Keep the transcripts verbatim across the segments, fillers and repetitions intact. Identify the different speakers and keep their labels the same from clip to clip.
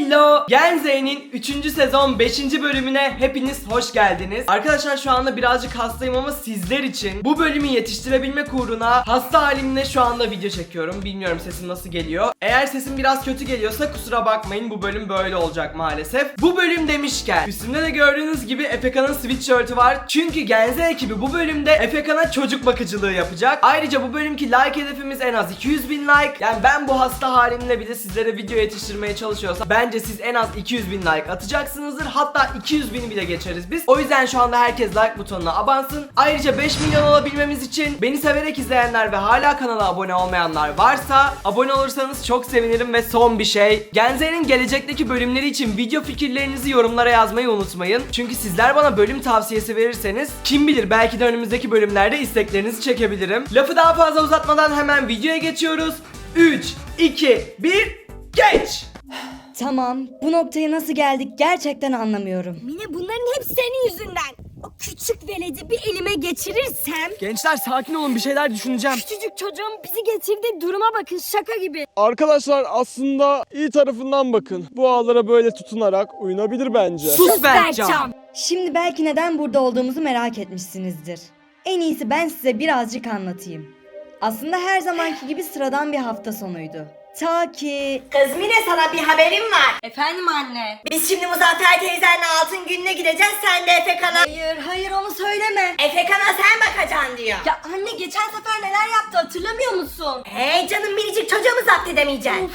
Speaker 1: Hello! Gen Z'nin üçüncü sezon beşinci bölümüne hepiniz hoş geldiniz. Arkadaşlar şu anda birazcık hastayım ama sizler için bu bölümü yetiştirebilmek uğruna hasta halimle şu anda video çekiyorum. Bilmiyorum sesim nasıl geliyor. Eğer sesim biraz kötü geliyorsa kusura bakmayın, bu bölüm böyle olacak maalesef. Bu bölüm demişken üstümde de gördüğünüz gibi Efeka'nın sweatshirt'ü var. Çünkü Gen Z ekibi bu bölümde Efeka'na çocuk bakıcılığı yapacak. Ayrıca bu bölümki like hedefimiz en az iki yüz bin like. Yani ben bu hasta halimle bile sizlere video yetiştirmeye çalışıyorsam bence siz en az iki yüz bin like atacaksınızdır. Hatta iki yüz bini bile geçeriz biz. O yüzden şu anda herkes like butonuna abansın. Ayrıca beş milyon olabilmemiz için beni severek izleyenler ve hala kanala abone olmayanlar varsa abone olursanız çok sevinirim. Ve son bir şey, Gen Z'nin gelecekteki bölümleri için video fikirlerinizi yorumlara yazmayı unutmayın. Çünkü sizler bana bölüm tavsiyesi verirseniz kim bilir belki de önümüzdeki bölümlerde isteklerinizi çekebilirim. Lafı daha fazla uzatmadan hemen videoya geçiyoruz. üç, iki, bir, geç!
Speaker 2: Tamam, bu noktaya nasıl geldik gerçekten anlamıyorum.
Speaker 3: Mine, bunların hep senin yüzünden. O küçük veledi bir elime geçirirsem...
Speaker 1: Gençler sakin olun, bir şeyler düşüneceğim.
Speaker 3: Küçücük çocuğun bizi getirdiği duruma bakın, şaka gibi.
Speaker 4: Arkadaşlar aslında iyi tarafından bakın. Bu ağlara böyle tutunarak uyunabilir bence.
Speaker 1: Sus Berkcan!
Speaker 2: Şimdi belki neden burada olduğumuzu merak etmişsinizdir. En iyisi ben size birazcık anlatayım. Aslında her zamanki gibi sıradan bir hafta sonuydu. Ta ki...
Speaker 5: Kız Mine, sana bir haberim var.
Speaker 3: Efendim anne.
Speaker 5: Biz şimdi Muzaffer teyzenle altın gününe gideceğiz. Sen de Efekan'a...
Speaker 3: Hayır, hayır onu söyleme.
Speaker 5: Efekan'a sen bakacaksın diyor.
Speaker 3: Ya anne, geçen sefer neler yaptı hatırlamıyor musun?
Speaker 5: Hey canım, minicik çocuğu mu zapt edemeyeceksin?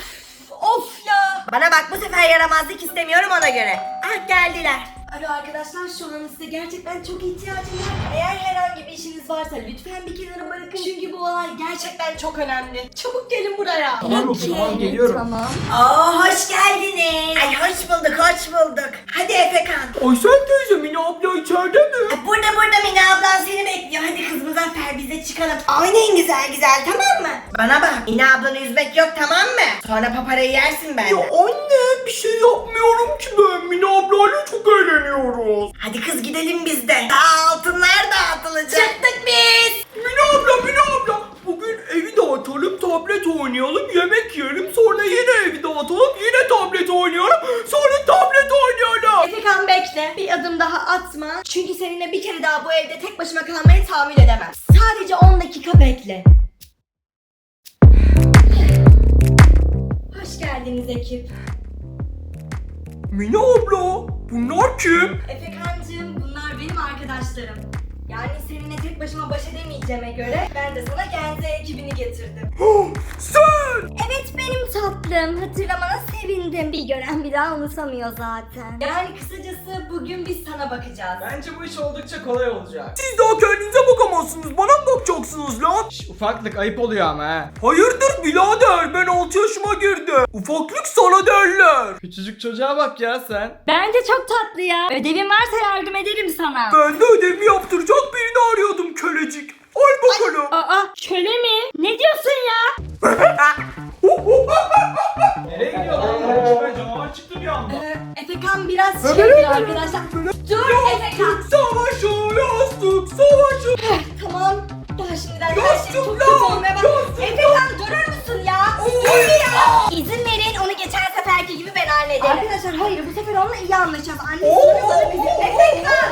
Speaker 3: Of ya.
Speaker 5: Bana bak, bu sefer yaramazlık istemiyorum ona göre. Ah, geldiler.
Speaker 3: Alo arkadaşlar, şu an size gerçekten çok ihtiyacım var. Eğer herhangi bir işiniz varsa lütfen bir kenara bırakın. Çünkü bu olay gerçekten çok önemli. Çabuk gelin buraya.
Speaker 1: Tamam, tamam, geliyorum.
Speaker 2: Tamam.
Speaker 5: Oo, hoş geldiniz. Ay hoş bulduk, hoş bulduk. Hadi Efekan.
Speaker 1: Aysel teyze, Mine abla içeride mi?
Speaker 5: Ay, Burada burada Mine ablan seni bekliyor. Hadi kız Muzaffer, biz de çıkalım. Oynayın güzel güzel, tamam mı? Bana bak, Mine ablanı üzmek yok, tamam mı? Sonra paparayı yersin benden.
Speaker 1: Anne, bir şey yapmıyorum ki ben. Mine ablayla çok eğleniyoruz.
Speaker 5: Hadi kız gidelim biz de. Daha altınlar dağıtılacak. Çıktık biz.
Speaker 1: Mine abla, Mine abla. Bugün evi dağıtalım, tablet oynayalım, yemek yiyelim. Sonra yine evi dağıtalım, yine tablet oynayalım. Sonra tablet oynayalım.
Speaker 3: Efekan bekle. Bir adım daha atma. Çünkü seninle bir kere daha bu evde tek başıma kalmaya tahammül edemem. Sadece on dakika bekle. Hoş geldiniz ekip.
Speaker 1: Mine abla, bunlar kim?
Speaker 3: Efekancığım, bunlar benim arkadaşlarım. Yani seninle tek başıma baş edemeyeceğime göre ben de sana Gen Z ekibini getirdim.
Speaker 1: Sen!
Speaker 3: Evet benim tatlım. Hatırlamana sevindim. Bir gören bir daha unutamıyor zaten. Yani kısacası bugün biz sana bakacağız.
Speaker 1: Bence bu iş oldukça kolay olacak. Siz daha kendinize bakamazsınız, bana mı bakacaksınız lan? Şş, ufaklık ayıp oluyor ama ha. Hayırdır birader, ben altı yaşıma girdim. Ufaklık sana derler. Küçücük çocuğa bak ya sen.
Speaker 3: Bence çok tatlı ya. Ödevin varsa yardım ederim sana.
Speaker 1: Ben de ödevimi yaptıracak birini arıyordum, kölecik. Al bakalım.
Speaker 3: Aa, köle mi? Ne diyorsun ya?
Speaker 1: Nereye gidiyor lan? Ben canavar çıktı bir anda.
Speaker 3: Ee, Efekan biraz şeydir arkadaşlar. Dur Efekan.
Speaker 1: Savaşı, yastık, savaşı.
Speaker 3: Tamam. Daha şimdiden her şey çok kötü
Speaker 1: Yastıklar,
Speaker 3: olmaya bak. Efekan durur musun ya? İzin verin, onu geçen seferki gibi ben hallederim. Arkadaşlar hayır, bu sefer onunla iyi anlaşacağız. Anne sonra bana kızıyor. Efekan.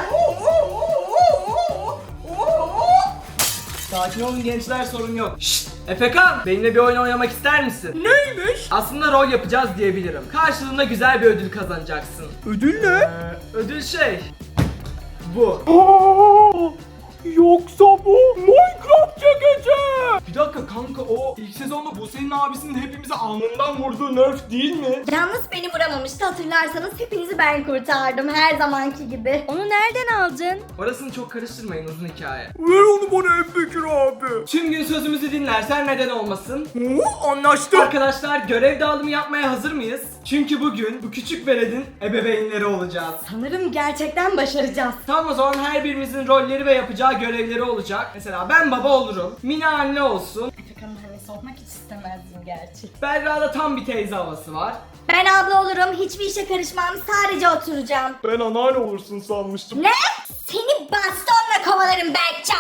Speaker 1: Sakin olun gençler, sorun yok. Şşt! Efekan, benimle bir oyun oynamak ister misin? Neymiş? Aslında rol yapacağız diyebilirim. Karşılığında güzel bir ödül kazanacaksın. Ödül ne? Ee, ödül şey... Bu. Yoksa bu Minecraft çekici. Bir dakika kanka, o ilk sezonda bu senin abisinin hepimizi alnından vurduğu nerf değil mi?
Speaker 3: Yalnız beni vuramamıştı, hatırlarsanız hepinizi ben kurtardım her zamanki gibi. Onu nereden aldın?
Speaker 1: Orasını çok karıştırmayın, uzun hikaye. Ver onu bana Ebubekir abi. Tüm gün sözümüzü dinlersen neden olmasın? Oo, anlaştık. Arkadaşlar, görev dağılımı yapmaya hazır mıyız? Çünkü bugün bu küçük veledin ebeveynleri olacağız.
Speaker 3: Sanırım gerçekten başaracağız.
Speaker 1: Tamam, o zaman her birimizin rolleri ve yapacağı görevleri olacak. Mesela ben baba olurum, Mine anne olsun.
Speaker 3: Efekan'ın annesi olmak hiç istemezdim gerçi.
Speaker 1: Berra'da tam bir teyze havası var.
Speaker 3: Ben abla olurum, hiçbir işe karışmam, sadece oturacağım.
Speaker 4: Ben anneanne olursun sanmıştım.
Speaker 3: Ne? Seni bastonla kovalarım Berkcan.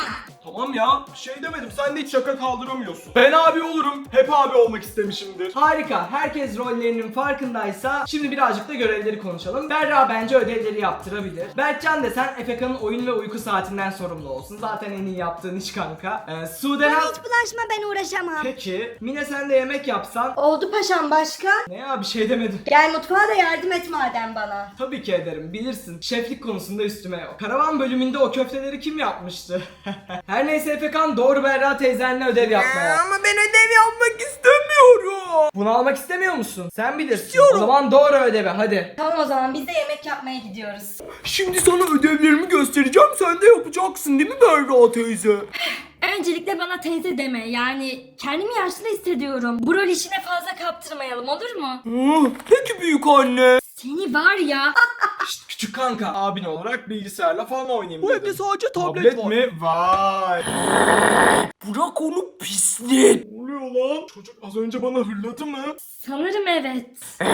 Speaker 4: Tamam ya, bir şey demedim. Sen de hiç şaka kaldıramıyorsun. Ben abi olurum. Hep abi olmak istemişimdir.
Speaker 1: Harika. Herkes rollerinin farkındaysa şimdi birazcık da görevleri konuşalım. Berra bence ödevleri yaptırabilir. Berkcan desen Efeka'nın oyun ve uyku saatinden sorumlu olsun. Zaten en iyi yaptığın iş kanka. Ee, Sude...
Speaker 3: Bana hiç bulaşma, ben uğraşamam.
Speaker 1: Peki. Mine sen de yemek yapsan.
Speaker 3: Oldu paşam, başka?
Speaker 1: Ne ya, bir şey demedim.
Speaker 3: Gel mutfağa da yardım et madem bana.
Speaker 1: Tabii ki ederim. Bilirsin. Şeflik konusunda üstüme yok. Karavan bölümünde o köfteleri kim yapmıştı? Her neyse Efekan, doğru Berra teyzenle ödev yapmaya.
Speaker 5: Ama ben ödev yapmak istemiyorum.
Speaker 1: Bunu almak istemiyor musun? Sen bilirsin. O zaman doğru ödevi hadi.
Speaker 3: Tamam, o zaman biz de yemek yapmaya gidiyoruz.
Speaker 4: Şimdi sana ödevlerimi göstereceğim. Sen de yapacaksın değil mi Berra teyze?
Speaker 6: Öncelikle bana teyze deme, yani kendimi yaşlı hissediyorum. Bu rol işine fazla kaptırmayalım, olur mu?
Speaker 4: Ah, peki büyük anne.
Speaker 6: Seni var ya.
Speaker 1: Şşt, küçük kanka.
Speaker 4: Abin olarak bilgisayarla falan oynayayım
Speaker 1: Bu
Speaker 4: dedim.
Speaker 1: evde sadece tablet,
Speaker 4: Tablet
Speaker 1: var.
Speaker 4: mi? Vay. Bırak onu pislik. Ne oluyor lan? Çocuk az önce bana hırladı mı?
Speaker 6: Sanırım evet.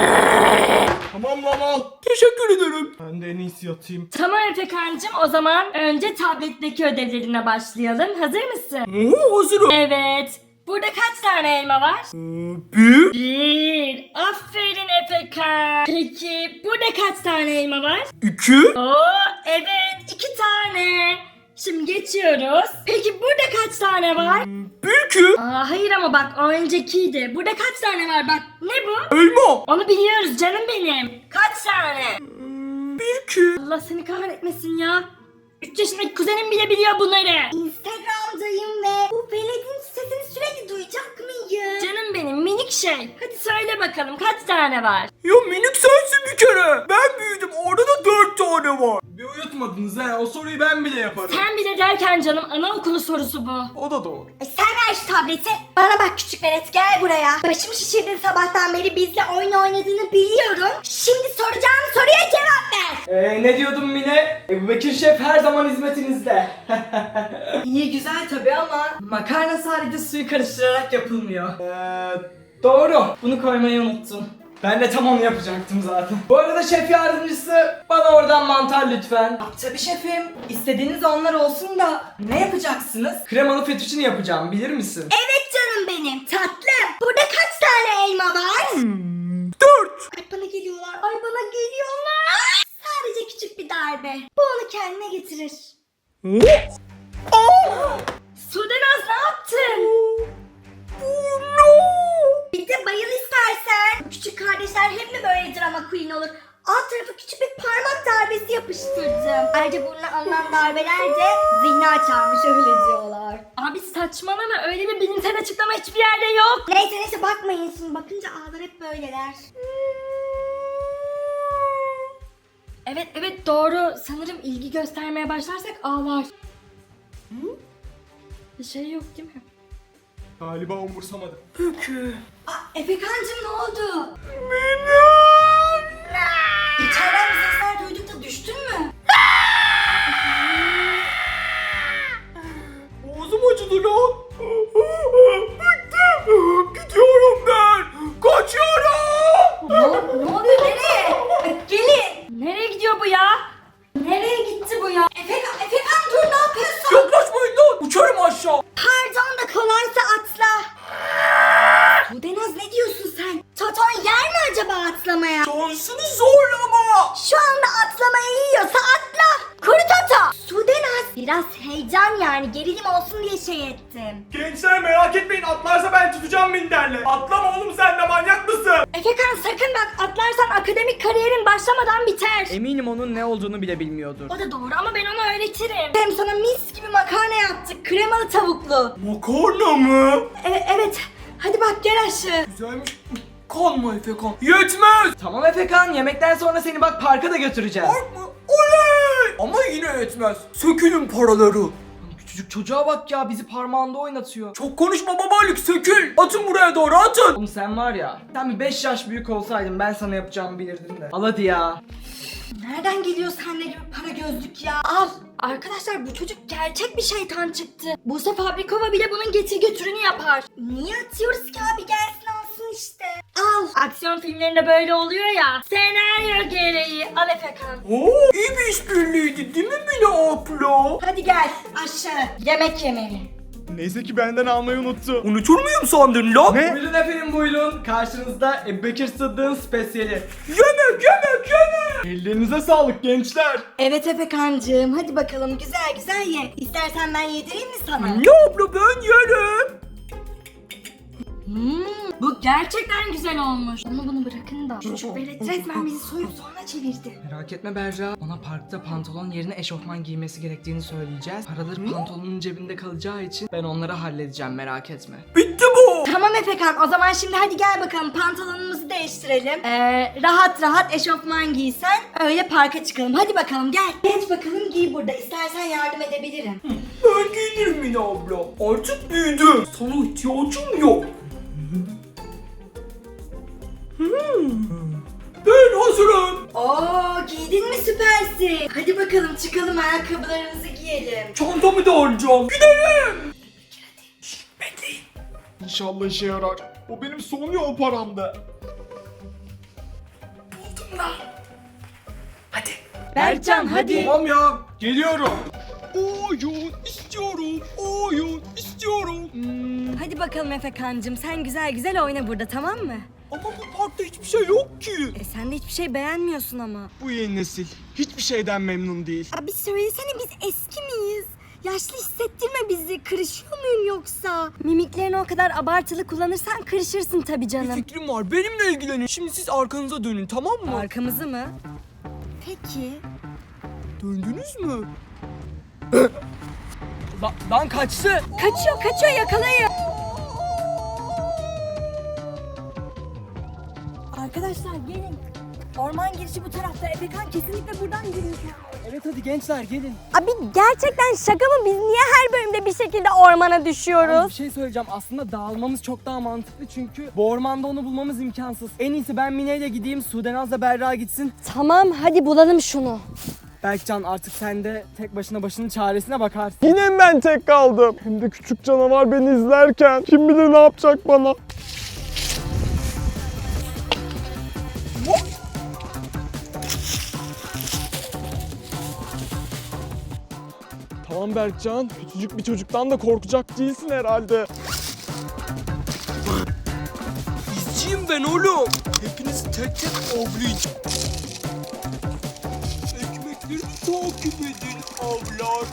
Speaker 4: Tamam lan al. Teşekkür ederim. Ben de en iyisi yatayım.
Speaker 6: Tamam Efekancığım, o zaman önce tabletteki ödevlerine başlayalım. Hazır mısın?
Speaker 4: Oo, hazırım.
Speaker 6: Evet. Burada kaç tane elma var?
Speaker 4: Bir.
Speaker 6: Bir. Aferin Efekan. Peki burada kaç tane elma var?
Speaker 4: İki.
Speaker 6: Oo evet, iki tane. Şimdi geçiyoruz. Peki burada kaç tane var?
Speaker 4: Bir ki.
Speaker 6: Aa hayır ama bak, o öncekiydi. Burada kaç tane var bak. Ne bu?
Speaker 4: Elma.
Speaker 6: Onu biliyoruz canım benim. Kaç tane?
Speaker 4: Bir ki.
Speaker 6: Allah seni kahretmesin ya. üç yaşındaki kuzenim bile biliyor bunları.
Speaker 3: Instagram'dayım ve bu veledin sesini sürekli duyacak mıyım?
Speaker 6: Canım benim minik şey. Hadi söyle bakalım kaç tane var?
Speaker 4: Ya minik sensin bir kere. Ben büyüdüm. Orada da dört tane var. Bir uyutmadınız ha. O soruyu ben bile yaparım.
Speaker 6: Sen bile derken canım, anaokulu sorusu bu.
Speaker 4: O da doğru.
Speaker 3: E sen ver şu tableti. Bana bak küçük velet, gel buraya. Başımı şişirdin sabahtan beri, bizle oyun oynadığını biliyorum. Şimdi soracağım soruya cevap ver.
Speaker 1: Ee, ne diyordum Mine? Ebu Bekir Şef her zaman hizmetinizde. İyi güzel tabi ama makarna sadece suyu karıştırarak yapılmıyor. Ee, doğru. Bunu koymayı unuttum. Ben de tam onu yapacaktım zaten. Bu arada şef yardımcısı, bana oradan mantar lütfen.
Speaker 5: Tabii şefim. İstediğiniz onlar olsun da ne yapacaksınız?
Speaker 1: Kremalı fettuccine yapacağım, bilir misin?
Speaker 3: Evet canım benim tatlım. Burada kaç tane elma var?
Speaker 4: Dört.
Speaker 3: Ay bana geliyorlar, ay bana geliyorlar. Sadece küçük bir darbe. Bu onu kendine getirir.
Speaker 6: Sudenaz ne yaptın?
Speaker 3: Bir de bayıl istersen. Küçük kardeşler hep mi böyle drama queen olur? Alt tarafı küçük bir parmak darbesi yapıştırdım. Ayrıca burnuna alınan darbeler de zihni açarmış, öyle diyorlar.
Speaker 6: Abi saçmalama, öyle bir bilimsel açıklama hiçbir yerde yok.
Speaker 3: Neyse neyse bakmayın, şimdi bakınca ağlar hep böyleler.
Speaker 6: Evet evet doğru, sanırım ilgi göstermeye başlarsak ağlar. Hı? Bir şey yok değil mi?
Speaker 4: Galiba umursamadım.
Speaker 3: Aa, Efekancığım ne oldu?
Speaker 4: Mine.
Speaker 3: İçeriden bir sesler duyduk da düştün mü?
Speaker 4: Boğazım acıdı lan. Bıktım. Gidiyorum ben. Kaçıyorum.
Speaker 3: Ne, ne oluyor, nereye? Gelin.
Speaker 6: Nereye gidiyor bu ya?
Speaker 3: Nereye gitti bu ya? Efekan, Efekan dur, ne yapıyorsun?
Speaker 4: Yaklaşmayın lan. Uçarım aşağı.
Speaker 3: Pardon da kolaysa atla. Sudenaz ne diyorsun sen? Toton yer mi acaba atlamaya?
Speaker 4: Şansını zorlama.
Speaker 3: Şu anda atlamaya yiyorsa atla. Kuru Toto. Sudenaz biraz heyecan, yani gerilim olsun diye şey ettim.
Speaker 4: Gençler merak etmeyin. Atlarsa ben tutacağım minderle. Atlama oğlum, sen de manyak mısın?
Speaker 6: Efekan sakın bak, atlarsan akademik kariyerin başlamadan biter.
Speaker 1: Eminim onun ne olduğunu bile bilmiyordur.
Speaker 6: O da doğru ama ben ona öğretirim.
Speaker 3: Hem sana mis gibi makarna yaptık, kremalı tavuklu.
Speaker 4: Makarna mı?
Speaker 3: E- evet, hadi bak gel aşağı.
Speaker 4: Güzelmiş. Kanma Efekan. Yetmez.
Speaker 1: Tamam Efekan, yemekten sonra seni bak parka da götüreceğiz.
Speaker 4: Park mı? Oley. Ama yine yetmez. Sökülün paraları.
Speaker 1: Küçücük çocuğa bak ya, bizi parmağında oynatıyor.
Speaker 4: Çok konuşma babalık, sökül. Atın buraya doğru, atın.
Speaker 1: Oğlum sen var ya, sen bir beş yaş büyük olsaydın ben sana yapacağımı bilirdim de. Al hadi ya.
Speaker 3: Nereden geliyor sende gibi para gözlük ya?
Speaker 6: Al. Arkadaşlar bu çocuk gerçek bir şeytan çıktı. Buse Fabrikova bile bunun getir götürünü yapar.
Speaker 3: Niye atıyoruz ki abi, gelsin alsın işte. Al.
Speaker 6: Aksiyon filmlerinde böyle oluyor ya. Senaryo gereği. Al Efekan.
Speaker 4: Oo, iyi bir işbirliğiydi değil mi Mine abla?
Speaker 3: Hadi gel aşağı. Yemek yemeye.
Speaker 7: Neyse ki benden almayı unuttu.
Speaker 4: Unutur muyum sandın lan?
Speaker 7: Ne?
Speaker 1: Buyurun efendim buyurun. Karşınızda Ebu Bekir Sıddık'ın spesiyeli.
Speaker 4: Yemek yemek yemek.
Speaker 7: Ellerinize sağlık gençler.
Speaker 3: Evet Efekancığım hadi bakalım güzel güzel ye. İstersen ben yedireyim mi sana?
Speaker 4: Mine abla ben yerim.
Speaker 6: Hmm, bu gerçekten güzel olmuş. Onu bunu bırakın da. Çocuk
Speaker 3: Velet resmen bizi soyup sonra çevirdi.
Speaker 1: Merak etme Berra. Ona parkta pantolon yerine eşofman giymesi gerektiğini söyleyeceğiz. Paraları pantolonun cebinde kalacağı için ben onları halledeceğim, merak etme.
Speaker 4: Bitti bu.
Speaker 3: Tamam Efekan o zaman şimdi hadi gel bakalım pantolonumuzu değiştirelim. Ee, rahat rahat eşofman giysen öyle parka çıkalım. Hadi bakalım gel. Geç bakalım giy burada. İstersen yardım edebilirim.
Speaker 4: Ben giyinirim Mine abla. Artık büyüdüm. Sana ihtiyacım yok. Hmm. Ben hazırım.
Speaker 3: Oo giydin mi süpersin. Hadi bakalım çıkalım ayakkabılarımızı giyelim.
Speaker 4: Çantamı da alacağım. Gidelim. Bekleyin.
Speaker 7: İnşallah işe yarar. O benim son yol paramdı.
Speaker 4: Buldum lan. Hadi.
Speaker 1: Berkcan hadi.
Speaker 7: Tamam ya. Geliyorum. Oyun istiyorum. Oyun istiyorum.
Speaker 2: Hmm, hadi bakalım Efekancığım sen güzel güzel oyna burada tamam mı?
Speaker 4: Ama bu parkta hiçbir şey yok ki.
Speaker 2: E sen de hiçbir şey beğenmiyorsun ama.
Speaker 7: Bu yeni nesil hiçbir şeyden memnun değil.
Speaker 3: Abi söylesene biz eski miyiz? Yaşlı hissettirme bizi. Kırışıyor muyum yoksa?
Speaker 2: Mimiklerini o kadar abartılı kullanırsan kırışırsın tabii
Speaker 4: Bir
Speaker 2: canım.
Speaker 4: fikrim var. Benimle ilgilenin. Şimdi siz arkanıza dönün, tamam mı?
Speaker 2: Arkamızı mı?
Speaker 3: Peki.
Speaker 4: Döndünüz mü?
Speaker 1: La- lan kaçtı.
Speaker 2: Kaçıyor kaçıyor yakalayın. Arkadaşlar gelin. Orman girişi bu tarafta. Efekan kesinlikle buradan giriyor.
Speaker 1: Evet hadi gençler gelin.
Speaker 2: Abi gerçekten şaka mı? Biz niye her bölümde bir şekilde ormana
Speaker 1: Bir
Speaker 2: düşüyoruz?
Speaker 1: şey söyleyeceğim. Aslında dağılmamız çok daha mantıklı çünkü bu ormanda onu bulmamız imkansız. En iyisi ben Mine ile gideyim, Sudenaz'la Berra gitsin.
Speaker 2: Tamam hadi bulalım şunu.
Speaker 1: Berkcan artık sen de tek başına başının çaresine bakarsın.
Speaker 7: Yine mi ben tek kaldım? Hem de küçük canavar beni izlerken. Kim bilir ne yapacak bana. Tamam Berkcan, küçücük bir çocuktan da korkacak değilsin herhalde.
Speaker 4: İzciyim ben oğlum. Hepinizi tek tek avlayacağım. Ekmeklerimi takip edin avlar.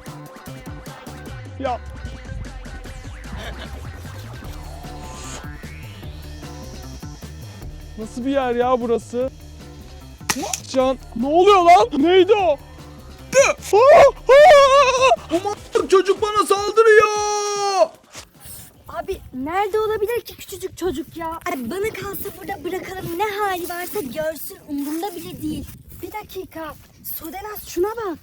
Speaker 7: Ya. Nasıl bir yer ya burası? Can, ne oluyor lan? Neydi o?
Speaker 4: Aman çocuk bana saldırıyor.
Speaker 2: Abi nerede olabilir ki küçücük çocuk ya? Abi bana kalsa burada bırakalım ne hali varsa görsün umurumda bile değil. Bir dakika. Sudenaz şuna bak.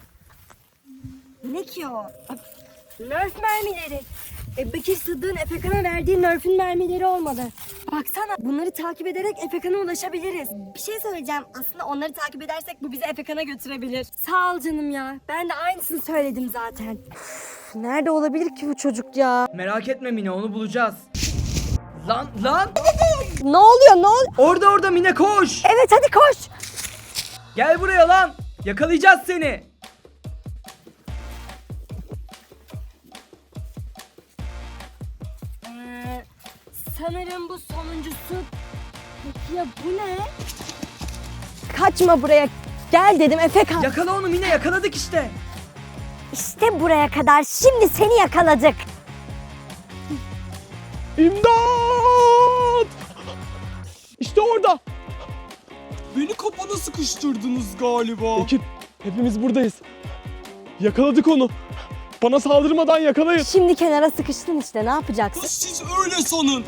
Speaker 2: Ne ki o? Abi, Nerf mermileri. E, Bekir Sıddık'ın Efekan'a verdiği Nerf'ün mermileri olmalı. Baksana bunları takip ederek Efekan'a ulaşabiliriz. Bir şey söyleyeceğim. Aslında onları takip edersek bu bizi Efekan'a götürebilir. Sağ ol canım ya. Ben de aynısını söyledim zaten. Üf, nerede olabilir ki bu çocuk ya?
Speaker 1: Merak etme Mine, onu bulacağız. Lan lan!
Speaker 2: Ne oluyor ne oluyor?
Speaker 1: Orada orada Mine, koş!
Speaker 2: Evet hadi koş.
Speaker 1: Gel buraya lan! Yakalayacağız seni!
Speaker 2: Ee, sanırım bu sonuncusu. Peki ya bu ne? Kaçma buraya. Gel dedim Efekan.
Speaker 1: Yakala onu Mine, yakaladık işte.
Speaker 2: İşte buraya kadar. Şimdi seni yakaladık.
Speaker 7: İmdat! İşte orada.
Speaker 4: Beni kapana sıkıştırdınız galiba.
Speaker 7: Ekip, hepimiz buradayız. Yakaladık onu. Bana saldırmadan yakalayın.
Speaker 2: Şimdi kenara sıkıştın işte. Ne yapacaksın?
Speaker 4: Siz öyle sanın.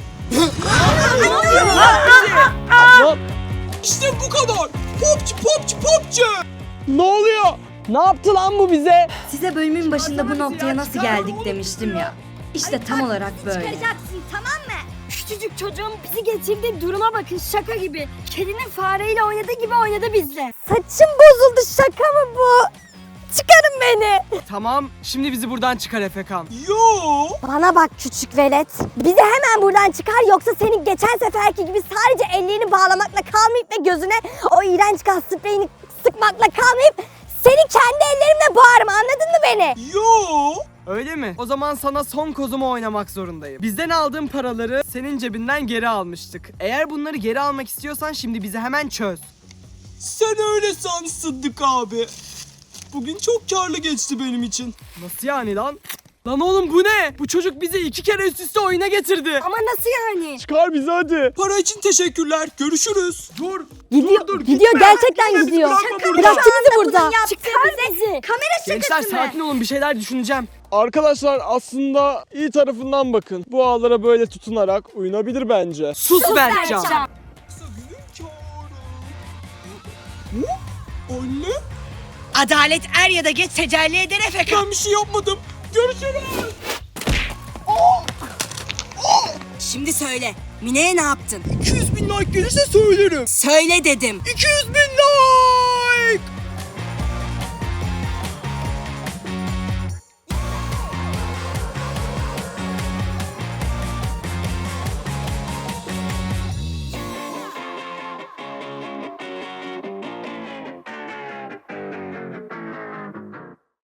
Speaker 7: Lan,
Speaker 4: İşte bu kadar. Popçu popçu popçu.
Speaker 7: ne oluyor?
Speaker 1: Ne yaptı lan bu bize?
Speaker 2: Size bölümün başında bu noktaya
Speaker 1: ya,
Speaker 2: nasıl
Speaker 1: çıkarma
Speaker 2: geldik
Speaker 1: oğlum
Speaker 2: demiştim ya. İşte tam olarak böyle.
Speaker 3: Çıkaracaksın tamam mı?
Speaker 2: Küçücük çocuğun bizi getirdiği duruma bakın, şaka gibi. Kedinin fareyle oynadığı gibi oynadı bizle. Saçım bozuldu, şaka mı bu? Çıkarın beni.
Speaker 1: Tamam, şimdi bizi buradan çıkar Efekan.
Speaker 4: Yo.
Speaker 2: Bana bak küçük velet. Bizi hemen buradan çıkar yoksa senin geçen seferki gibi sadece ellerini bağlamakla kalmayıp ve gözüne o iğrenç gaz spreyini sıkmakla kalmayıp seni kendi ellerimle boğarım, anladın mı beni?
Speaker 4: Yo.
Speaker 1: Öyle mi? O zaman sana son kozumu oynamak zorundayım. Bizden aldığın paraları senin cebinden geri almıştık. Eğer bunları geri almak istiyorsan şimdi bizi hemen çöz.
Speaker 4: Sen öyle san Sıddık abi. Bugün çok karlı geçti benim için.
Speaker 1: Nasıl yani lan? Lan oğlum bu ne? Bu çocuk bizi iki kere üst üste oyuna getirdi.
Speaker 2: Ama nasıl yani?
Speaker 7: Çıkar bizi hadi.
Speaker 4: Para için teşekkürler. Görüşürüz.
Speaker 1: Dur.
Speaker 2: Gidiyor,
Speaker 1: dur, dur,
Speaker 2: gidiyor
Speaker 1: gitme.
Speaker 2: gerçekten
Speaker 1: Gitme,
Speaker 2: gidiyor.
Speaker 1: bizi bırakma burada.
Speaker 2: Bıraktı bizi burada.
Speaker 3: yaptığı
Speaker 2: Çıkar
Speaker 3: bize
Speaker 2: bizi.
Speaker 3: Kamera
Speaker 1: Gençler
Speaker 3: şakası mı?
Speaker 1: sakin olun, bir şeyler düşüneceğim.
Speaker 7: Arkadaşlar aslında iyi tarafından bakın. Bu ağlara böyle tutunarak uyunabilir bence.
Speaker 1: Sus, Berkcan.
Speaker 2: Berkcan.
Speaker 4: Sagül'ün kârı. Hop. Anne.
Speaker 5: Adalet er ya da geç tecelli eder Efekan.
Speaker 4: Ben bir şey yapmadım. Görüşürüz.
Speaker 5: Şimdi söyle. Mine'ye ne yaptın?
Speaker 4: iki yüz bin like gelirse söylerim.
Speaker 5: Söyle dedim.
Speaker 4: iki yüz bin